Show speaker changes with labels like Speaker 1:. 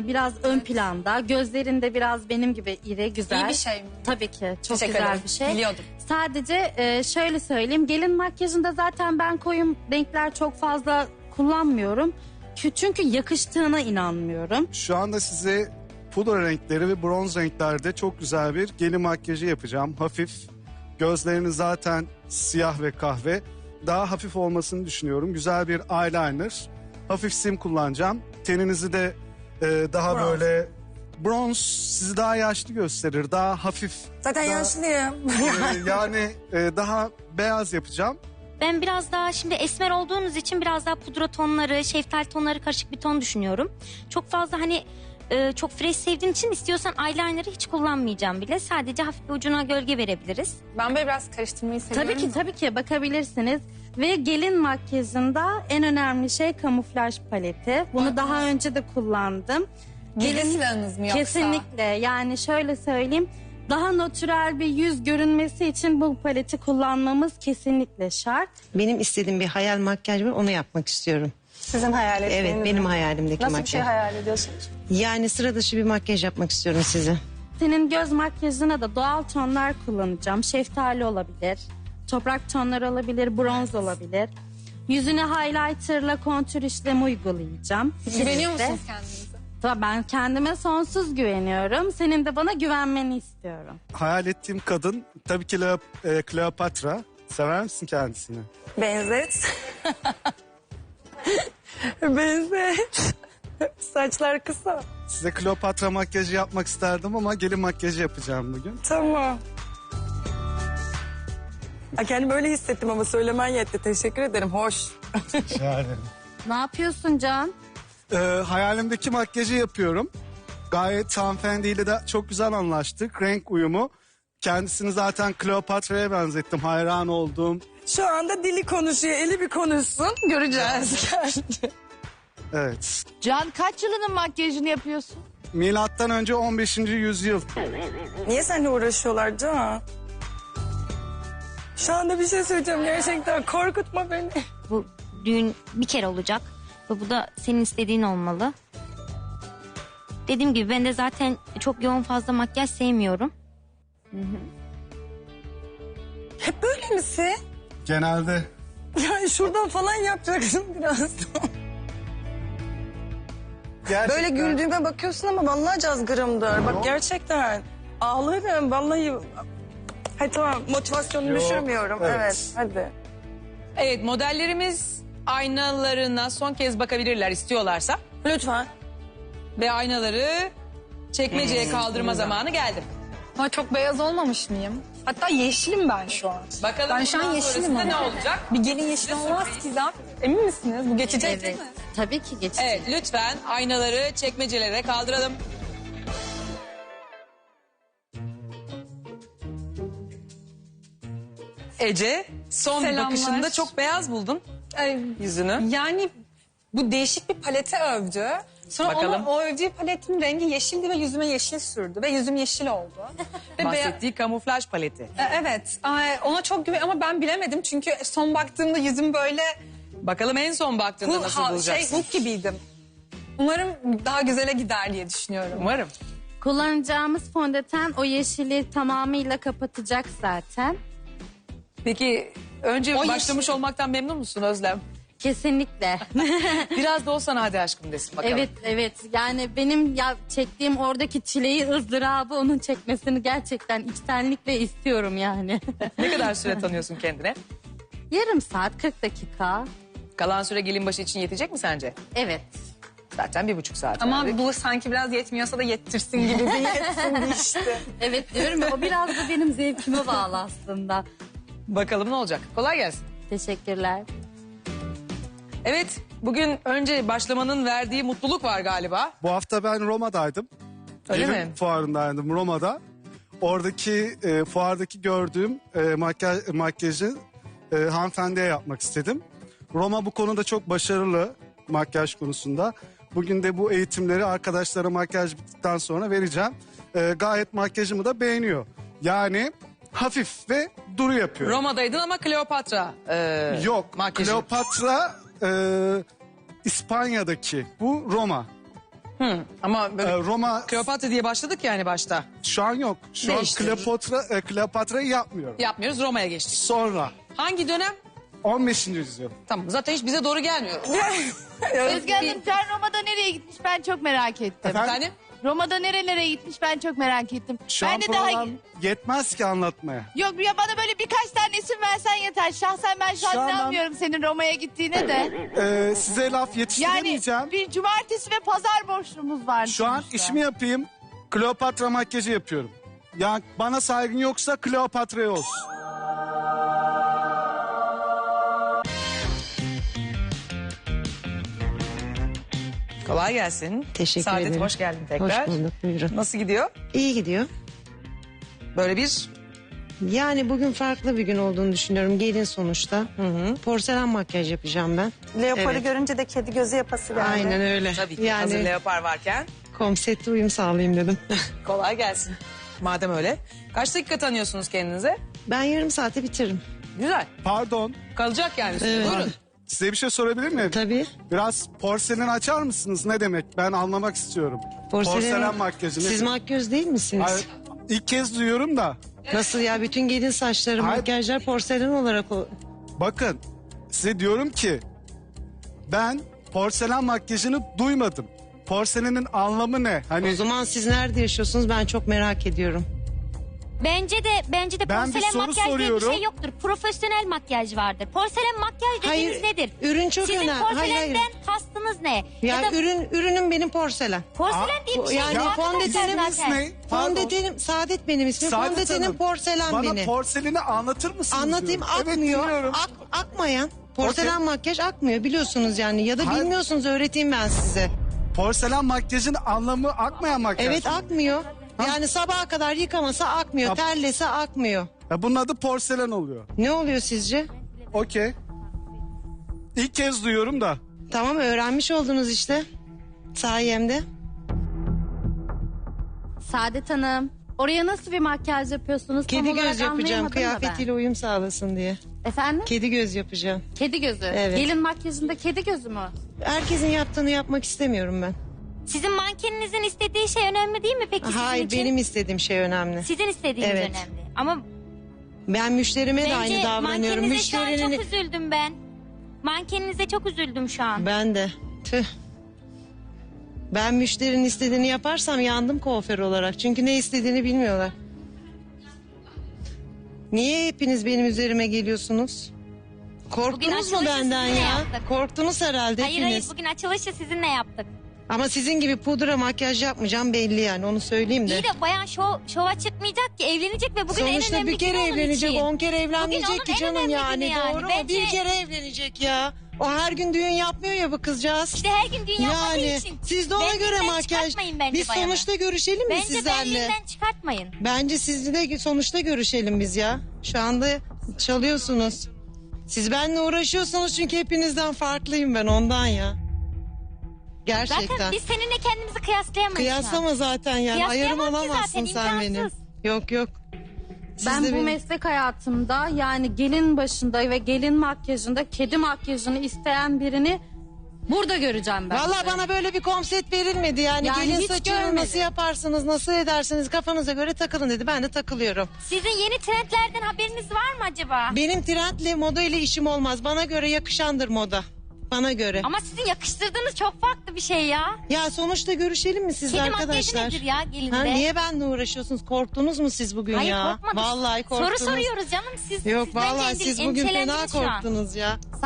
Speaker 1: biraz ön planda. Gözlerinde biraz benim gibi iri, güzel.
Speaker 2: İyi bir şey mi?
Speaker 1: Tabii ki. Çok
Speaker 2: Teşekkür
Speaker 1: güzel
Speaker 2: ederim.
Speaker 1: bir şey.
Speaker 2: Biliyordum.
Speaker 1: Sadece şöyle söyleyeyim. Gelin makyajında zaten ben koyu renkler çok fazla kullanmıyorum. Çünkü yakıştığına inanmıyorum.
Speaker 3: Şu anda size pudra renkleri ve bronz renklerde çok güzel bir gelin makyajı yapacağım. Hafif. Gözlerini zaten siyah ve kahve. Daha hafif olmasını düşünüyorum. Güzel bir eyeliner. Hafif sim kullanacağım. Teninizi de daha
Speaker 4: Bronz.
Speaker 3: böyle bronz sizi daha yaşlı gösterir. Daha hafif.
Speaker 4: Zaten
Speaker 3: daha,
Speaker 4: yaşlıyım.
Speaker 3: yani daha beyaz yapacağım.
Speaker 5: Ben biraz daha şimdi esmer olduğunuz için biraz daha pudra tonları, şeftali tonları karışık bir ton düşünüyorum. Çok fazla hani çok fresh sevdiğin için istiyorsan eyeliner'ı hiç kullanmayacağım bile. Sadece hafif bir ucuna gölge verebiliriz.
Speaker 2: Ben böyle biraz karıştırmayı seviyorum.
Speaker 1: Tabii ki bakabilirsiniz. Ve gelin makyajında en önemli şey kamuflaj paleti. Bunu daha önce de kullandım.
Speaker 2: Gizli silahınız mı yoksa?
Speaker 1: Kesinlikle. Yani şöyle söyleyeyim. Daha natürel bir yüz görünmesi için bu paleti kullanmamız kesinlikle şart.
Speaker 6: Benim istediğim bir hayal makyaj var, onu yapmak istiyorum.
Speaker 4: Sizin hayal ettiğiniz
Speaker 6: Evet, benim hayalimdeki
Speaker 4: Nasıl
Speaker 6: makyaj.
Speaker 4: bir şey hayal ediyorsunuz?
Speaker 6: Yani sıra dışı bir makyaj yapmak istiyorum size.
Speaker 1: Senin göz makyajına da doğal tonlar kullanacağım. Şeftali olabilir, toprak tonları olabilir, bronz olabilir. Yüzüne highlighterla kontür işlemi uygulayacağım.
Speaker 2: Güveniyor
Speaker 1: Kesinlikle.
Speaker 2: musunuz kendinize?
Speaker 1: Tabii ben kendime sonsuz güveniyorum. Senin de bana güvenmeni istiyorum.
Speaker 3: Hayal ettiğim kadın tabii ki Kleopatra. Sever misin kendisini?
Speaker 4: Benzet. Benzet. Saçlar kısa.
Speaker 3: Size Kleopatra makyajı yapmak isterdim ama gelin makyajı yapacağım bugün.
Speaker 4: Tamam. Kendimi öyle hissettim ama söylemen yetti. Teşekkür ederim. Hoş.
Speaker 3: Yani.
Speaker 1: Ne yapıyorsun Can?
Speaker 3: Hayalimdeki makyajı yapıyorum. Gayet hanımefendiyle de çok güzel anlaştık. Renk uyumu. Kendisini zaten Kleopatra'ya benzettim. Hayran olduğum.
Speaker 4: Şu anda dili konuşuyor. Eli bir konuşsun. Göreceğiz.
Speaker 3: Evet.
Speaker 7: Can kaç yılının makyajını yapıyorsun?
Speaker 3: Milattan önce 15. yüzyıl.
Speaker 4: Niye seninle uğraşıyorlar Can? Şu anda bir şey söyleyeceğim. Gerçekten korkutma beni.
Speaker 5: Bu düğün bir kere olacak ve bu da senin istediğin olmalı. Dediğim gibi ben de zaten çok yoğun fazla makyaj sevmiyorum.
Speaker 4: Hep böyle misin?
Speaker 3: Genelde.
Speaker 4: Yani şuradan falan yapacaksın biraz.
Speaker 3: Gerçekten.
Speaker 4: Böyle güldüğüme bakıyorsun ama vallahi cazgırımdır. Bak gerçekten ağlarım vallahi. Hadi tamam motivasyonumu
Speaker 3: Yok,
Speaker 4: düşürmüyorum.
Speaker 3: evet.
Speaker 4: Evet hadi.
Speaker 8: Evet, modellerimiz aynalarına son kez bakabilirler istiyorlarsa.
Speaker 4: Lütfen.
Speaker 8: Ve aynaları çekmeceye kaldırma zamanı geldi.
Speaker 2: Ama çok beyaz olmamış mıyım? Hatta yeşilim ben şu an.
Speaker 8: Bakalım
Speaker 2: Ben şu an
Speaker 8: bundan
Speaker 2: yeşilim
Speaker 8: sonrasında
Speaker 2: ama.
Speaker 8: ne olacak?
Speaker 2: Bir gelin yeşil olmaz ki zaten. Emin misiniz? Bu geçecek değil mi?
Speaker 1: Tabii ki geçecek.
Speaker 8: Evet, lütfen aynaları çekmecelere kaldıralım. Ece, son
Speaker 2: Selamlar.
Speaker 8: bakışında çok beyaz buldun
Speaker 2: Ay,
Speaker 8: yüzünü.
Speaker 2: yani bu değişik bir palete övdü. Sonra
Speaker 8: Bakalım.
Speaker 2: o övdüğü paletin rengi yeşildi ve yüzüme yeşil sürdü. Ve yüzüm yeşil oldu. Ve
Speaker 8: Bahsettiği kamuflaj paleti.
Speaker 2: Evet. Ona çok güven ama ben bilemedim. Çünkü son baktığımda yüzüm böyle
Speaker 8: Bakalım en son baktığında nasıl bulacaksın?
Speaker 2: Hulk gibiydim. Umarım daha güzele gider diye düşünüyorum.
Speaker 8: Umarım.
Speaker 1: Kullanacağımız fondöten o yeşili tamamıyla kapatacak zaten.
Speaker 8: Peki önce
Speaker 2: O
Speaker 8: başlamış
Speaker 2: yeşil-
Speaker 8: olmaktan memnun musun Özlem?
Speaker 1: Kesinlikle.
Speaker 8: Biraz da o sana hadi aşkım desin bakalım.
Speaker 1: Evet. Yani benim çektiğim oradaki çileyi, ızdırabı onun çekmesini gerçekten içtenlikle istiyorum yani.
Speaker 8: Ne kadar süre tanıyorsun kendine?
Speaker 1: Yarım saat, 40 dakika.
Speaker 8: Kalan süre gelin başı için yetecek mi sence?
Speaker 1: Evet.
Speaker 8: Zaten 1,5 saat.
Speaker 2: Ama
Speaker 8: verdik.
Speaker 2: bu sanki biraz yetmiyorsa da yettirsin gibi bir yetsin işte.
Speaker 1: Evet diyorum ya, o biraz da benim zevkime bağlı aslında.
Speaker 8: Bakalım ne olacak. Kolay gelsin.
Speaker 1: Teşekkürler.
Speaker 8: Evet, bugün önce başlamanın verdiği mutluluk var galiba.
Speaker 3: Bu hafta ben Roma'daydım.
Speaker 8: Öyle
Speaker 3: Gelin
Speaker 8: mi?
Speaker 3: fuarındaydım Roma'da. Oradaki fuardaki gördüğüm makyajı hanımefendiye yapmak istedim. Roma bu konuda çok başarılı makyaj konusunda. Bugün de bu eğitimleri arkadaşlara makyaj bittikten sonra vereceğim. Gayet makyajımı da beğeniyor. Yani hafif ve duru yapıyor.
Speaker 8: Roma'daydın ama Kleopatra
Speaker 3: Yok,
Speaker 8: makyajı.
Speaker 3: Kleopatra İspanya'daki. Bu Roma.
Speaker 8: Ama böyle
Speaker 3: Roma
Speaker 8: Kleopatra diye başladık yani başta.
Speaker 3: şu an yok. Şu an
Speaker 8: Değişti.
Speaker 3: Kleopatra'yı yapmıyorum.
Speaker 8: Yapmıyoruz, Roma'ya geçtik.
Speaker 3: Sonra
Speaker 8: Hangi dönem?
Speaker 3: 15. yüzyıl.
Speaker 8: Tamam, zaten hiç bize doğru gelmiyor.
Speaker 7: Özge Hanım sen Roma'da nereye gitmiş ben çok merak ettim.
Speaker 8: Efendim?
Speaker 7: Roma'da nerelere gitmiş ben çok merak ettim.
Speaker 3: Şu
Speaker 7: ben
Speaker 3: an
Speaker 7: de daha...
Speaker 3: program yetmez ki anlatmaya.
Speaker 7: Yok ya bana böyle birkaç tane isim versen yeter. Şahsen ben şu an
Speaker 3: Şu an ben-
Speaker 7: inanmıyorum senin Roma'ya gittiğine de.
Speaker 3: Size laf yetiştiremeyeceğim.
Speaker 7: Yani bir cumartesi ve pazar boşluğumuz var.
Speaker 3: Şu an
Speaker 7: sonuçta.
Speaker 3: işimi yapayım. Kleopatra makyajı yapıyorum. Yani bana saygın yoksa Kleopatra'ya olsun.
Speaker 8: Kolay gelsin.
Speaker 6: Teşekkür
Speaker 8: Saadet,
Speaker 6: ederim.
Speaker 8: hoş geldin tekrar.
Speaker 6: Hoş bulduk, buyurun.
Speaker 8: Nasıl gidiyor?
Speaker 6: İyi gidiyor.
Speaker 8: Böyle bir
Speaker 6: Yani bugün farklı bir gün olduğunu düşünüyorum. Gelin sonuçta. Porselen makyaj yapacağım ben.
Speaker 4: Leoparı
Speaker 6: Evet.
Speaker 4: görünce de kedi gözü yapası geldi.
Speaker 6: Aynen öyle.
Speaker 8: tabii ki hazır
Speaker 6: Yani
Speaker 8: leopar varken
Speaker 6: konsepte uyum sağlayayım dedim.
Speaker 8: kolay gelsin. Madem öyle. Kaç dakika tanıyorsunuz kendinize?
Speaker 6: Ben yarım saate bitiririm.
Speaker 8: Güzel.
Speaker 3: Pardon.
Speaker 8: Kalacak yani.
Speaker 6: Evet.
Speaker 8: Buyurun.
Speaker 3: Size bir şey sorabilir miyim?
Speaker 6: Tabii.
Speaker 3: Biraz porselen açar mısınız? Ne demek? Ben anlamak istiyorum. Porselen makyajı.
Speaker 6: Siz
Speaker 3: nedir?
Speaker 6: makyöz değil misiniz?
Speaker 3: Hayır, ilk kez duyuyorum da.
Speaker 6: Nasıl ya? Bütün gelin saçları,
Speaker 3: Hayır.
Speaker 6: makyajlar porselen olarak o.
Speaker 3: Bakın size diyorum ki ben porselen makyajını duymadım. Porselenin anlamı ne?
Speaker 6: O
Speaker 3: Hani
Speaker 6: zaman siz nerede yaşıyorsunuz? Ben çok merak ediyorum.
Speaker 5: Bence de
Speaker 3: Ben bir
Speaker 5: porselen
Speaker 3: soru
Speaker 5: makyaj diye bir
Speaker 3: soruyorum.
Speaker 5: şey yoktur. Profesyonel makyaj vardır. Porselen makyaj dediğiniz nedir?
Speaker 6: Ürün çok
Speaker 5: Sizin
Speaker 6: önemli.
Speaker 5: porselenden
Speaker 6: Hayır.
Speaker 5: kastınız ne?
Speaker 6: Ya,
Speaker 5: da
Speaker 6: ürünüm benim porselen.
Speaker 5: porselen diye bir şey
Speaker 6: yani
Speaker 5: yok
Speaker 6: fondötenim
Speaker 5: arkadaşlar
Speaker 3: Fondötenimiz
Speaker 5: zaten.
Speaker 3: ne? Pardon.
Speaker 6: Fondötenim, Saadet benim ismim.
Speaker 3: Saadet
Speaker 6: Fondötenim
Speaker 3: Hanım,
Speaker 6: porselen
Speaker 3: bana
Speaker 6: benim.
Speaker 3: porseleni anlatır mısınız?
Speaker 6: Anlatayım,
Speaker 3: diyorum. Evet,
Speaker 6: akmıyor.
Speaker 3: dinliyorum.
Speaker 6: Akmayan. Porselen makyaj akmıyor biliyorsunuz yani. Ya da
Speaker 3: Hayır.
Speaker 6: bilmiyorsunuz, öğreteyim ben size.
Speaker 3: Porselen makyajın anlamı akmayan makyaj.
Speaker 6: Evet, akmıyor. Yani sabaha kadar yıkamasa akmıyor.
Speaker 3: Ya-
Speaker 6: Terlese akmıyor.
Speaker 3: Ya bunun adı porselen oluyor.
Speaker 6: Ne oluyor sizce?
Speaker 3: Okey. İlk kez duyuyorum da.
Speaker 6: Tamam, öğrenmiş oldunuz işte. Sayemde.
Speaker 1: Saadet Hanım, oraya nasıl bir makyaj yapıyorsunuz? Tam
Speaker 6: Kedi
Speaker 1: olarak
Speaker 6: göz yapacağım,
Speaker 1: anlayamadım da ben.
Speaker 6: kıyafetiyle uyum sağlasın diye.
Speaker 1: Efendim?
Speaker 6: Kedi göz yapacağım.
Speaker 1: Kedi gözü.
Speaker 6: Evet.
Speaker 1: Gelin makyajında kedi gözü mü?
Speaker 6: Herkesin yaptığını yapmak istemiyorum ben.
Speaker 5: Sizin mankeninizin istediği şey önemli değil mi peki sizin
Speaker 6: Hayır,
Speaker 5: için?
Speaker 6: benim istediğim şey önemli.
Speaker 5: Sizin istediğiniz
Speaker 6: Evet.
Speaker 5: önemli. Ama
Speaker 6: Ben müşterime de aynı
Speaker 5: bence
Speaker 6: davranıyorum.
Speaker 5: mankeninize şu an
Speaker 6: Müşterinin...
Speaker 5: çok üzüldüm ben. Mankeninize çok üzüldüm şu an.
Speaker 6: Ben de. Tüh. Ben müşterinin istediğini yaparsam yandım kuaför olarak. Çünkü ne istediğini bilmiyorlar. Niye hepiniz benim üzerime geliyorsunuz? Korktunuz mu
Speaker 5: açılışı
Speaker 6: benden
Speaker 5: sizinle
Speaker 6: ya?
Speaker 5: yaptık.
Speaker 6: Korktunuz herhalde
Speaker 5: Hayır
Speaker 6: hepiniz.
Speaker 5: hayır bugün açılışı sizinle yaptık.
Speaker 6: Ama sizin gibi pudra makyaj yapmayacağım belli yani, onu söyleyeyim de.
Speaker 5: İyi de bayan şova çıkmayacak ki, evlenecek ve bugün en
Speaker 6: Sonuçta
Speaker 5: önemli
Speaker 6: bir kere
Speaker 5: günü onun
Speaker 6: evlenecek,
Speaker 5: için.
Speaker 6: 10 kere evlenmeyecek
Speaker 5: Bugün
Speaker 6: ki
Speaker 5: onun en
Speaker 6: canım
Speaker 5: önemli
Speaker 6: yani,
Speaker 5: günü yani.
Speaker 6: doğru mu?
Speaker 5: Bence-
Speaker 6: Bir kere evlenecek ya. O her gün düğün yapmıyor ya bu kızcağız.
Speaker 5: İşte her gün dünya yapmadığı
Speaker 6: Yani
Speaker 5: için.
Speaker 6: siz de ona
Speaker 5: Benliğinden
Speaker 6: göre makyaj.
Speaker 5: çıkartmayın bence
Speaker 6: Biz
Speaker 5: bayanı.
Speaker 6: sonuçta görüşelim mi
Speaker 5: Bence
Speaker 6: sizlerle?
Speaker 5: benliğinden çıkartmayın.
Speaker 6: Bence sizle de sonuçta görüşelim biz ya. Şu anda çalıyorsunuz. Siz benimle uğraşıyorsunuz çünkü hepinizden farklıyım ben, ondan ya. Gerçekten.
Speaker 5: Zaten biz seninle kendimizi kıyaslayamayız. şu an.
Speaker 6: Kıyaslama zaten yani. Ayarım
Speaker 5: Kıyaslayamam ki
Speaker 6: olamazsın
Speaker 5: zaten,
Speaker 6: sen benim.
Speaker 5: imkansız.
Speaker 6: Yok yok. Siz
Speaker 1: Ben
Speaker 6: de
Speaker 1: bu
Speaker 6: benim-
Speaker 1: meslek hayatımda yani gelin başında ve gelin makyajında kedi makyajını isteyen birini burada göreceğim ben.
Speaker 6: Valla bana böyle bir konsept verilmedi yani,
Speaker 1: Yani
Speaker 6: gelin
Speaker 1: hiç
Speaker 6: saçını
Speaker 1: görmedim.
Speaker 6: nasıl yaparsınız, nasıl edersiniz, kafanıza göre takılın dedi, ben de takılıyorum.
Speaker 5: Sizin yeni trendlerden haberiniz var mı acaba?
Speaker 6: Benim trendle moda ile işim olmaz, bana göre yakışandır moda, bana göre.
Speaker 5: Ama sizin yakıştırdığınız çok farklı bir şey ya.
Speaker 6: Ya sonuçta görüşelim mi siz
Speaker 5: Kedi
Speaker 6: arkadaşlar?
Speaker 5: makyajı nedir ya gelinde?
Speaker 6: Ha, niye benimle uğraşıyorsunuz? Korktunuz mu siz bugün
Speaker 5: Hayır
Speaker 6: ya?
Speaker 5: korkmadık.
Speaker 6: Vallahi korktunuz.
Speaker 5: Soru soruyoruz canım. Siz
Speaker 6: Yok
Speaker 5: bence
Speaker 6: vallahi siz bugün fena
Speaker 5: endişelendiniz şu an.
Speaker 6: korktunuz ya.